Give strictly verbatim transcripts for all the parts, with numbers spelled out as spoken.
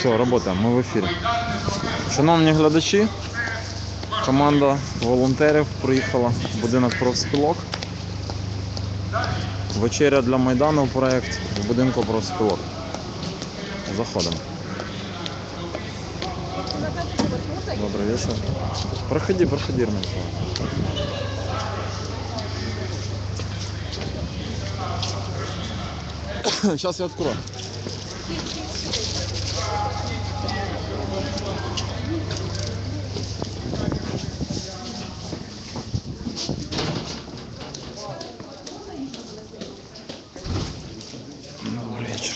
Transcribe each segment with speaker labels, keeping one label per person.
Speaker 1: Все, работаем, ми в ефірі. Шановні глядачі, команда волонтерів приїхала в будинок профспілок. Вечеря для Майдану проєкт в будинку профспілок. Заходимо. Добрый вечер. Проходи, проходи, Ирмин. Сейчас я открою. Добрый вечер.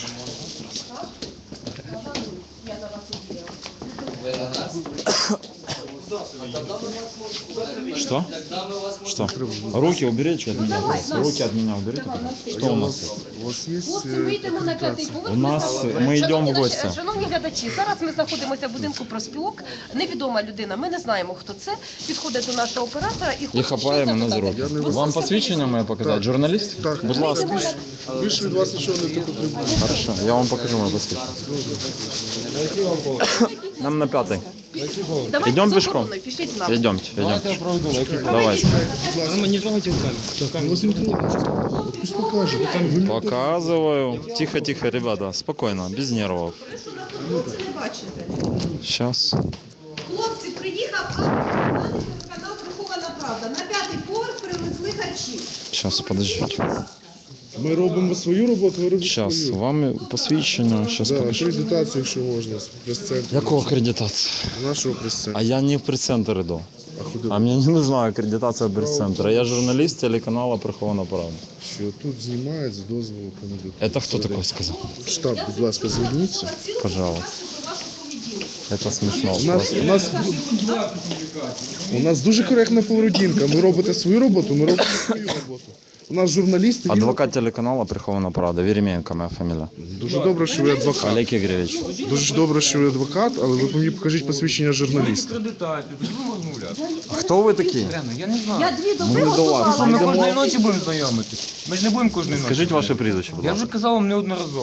Speaker 1: Что? Что? Руки уберите от меня. Руки от меня уберите. Что у нас?
Speaker 2: У вас є
Speaker 3: Хлопці, ми йдемо на п'ятий поверх.
Speaker 1: У нас ми йдемо в гості.
Speaker 3: Шановні глядачі, зараз ми знаходимося в будинку профспілок. Невідома людина, ми не знаємо, хто це. Підходить до нашого оператора і
Speaker 1: І
Speaker 3: хоче
Speaker 1: хапає мене за
Speaker 3: щось
Speaker 1: руки.
Speaker 3: запитати.
Speaker 1: Вам посвідчення моє показати?
Speaker 2: Так.
Speaker 1: Журналіст?
Speaker 2: Так.
Speaker 1: Будь ласка.
Speaker 2: Більше від вас нічого не потрібно.
Speaker 1: Хорошо, я вам покажу моє посвідчення. Нам на п'ятий.
Speaker 3: Давайте
Speaker 1: Йдемо
Speaker 3: з
Speaker 1: пішком?
Speaker 3: охороною, пішліть з нами.
Speaker 1: Идемте, идемте. Давайте.
Speaker 2: Не трогайте камеру. Пусть покаже.
Speaker 1: Показываю. Тихо, тихо, ребята, спокойно, без нервов.
Speaker 3: Хлопці, не бачите.
Speaker 1: Сейчас.
Speaker 3: Хлопці, приїхав канал «Прихована правда». На п'ятий поверх привезли харчі.
Speaker 1: Сейчас, подождите.
Speaker 2: Ми робимо свою роботу, ви робите
Speaker 1: Сейчас,
Speaker 2: свою.
Speaker 1: вам посвідчення, сейчас
Speaker 2: Да,
Speaker 1: покажу.
Speaker 2: акредитацію, якщо можна, з прес-центру.
Speaker 1: Якого акредитація?
Speaker 2: Нашого прес-центру.
Speaker 1: А я не в прес-центр иду.
Speaker 2: А куди?
Speaker 1: А мне не нужна акредитация пресс-центра. Я журналист телеканала «Прихована правда».
Speaker 2: Що тут знімають з дозволу комітету.
Speaker 1: Это кто такой сказал?
Speaker 2: Штаб, будь ласка, зверніться.
Speaker 1: Пожалуйста. Это смешно.
Speaker 2: У нас, у нас, у нас дуже коректна поведінка. Ми робите свою роботу, ми робимо свою роботу. У нас журналісти... він-
Speaker 1: Адвокат телеканала «Прихована правда». Веремеенко моя фамилия.
Speaker 2: Дуже добре, що ви адвокат.
Speaker 1: Олег Ігорович.
Speaker 2: Дуже добре, що ви адвокат, але ви мені покажіть посвідчення журналіста.
Speaker 4: Акредитацію, тоді будемо розмовляти.
Speaker 1: А хто ви такі?
Speaker 4: Реально, я не знаю.
Speaker 3: Я дві доби
Speaker 1: Ми до вас.
Speaker 3: готувала.
Speaker 4: Ми
Speaker 1: йдемо.
Speaker 4: кожної ночі будемо знайомитись. Ми ж не будемо кожної ночі.
Speaker 1: Скажіть ваше прізвище, будь
Speaker 4: Я
Speaker 1: ласка.
Speaker 4: вже казав вам неодноразово.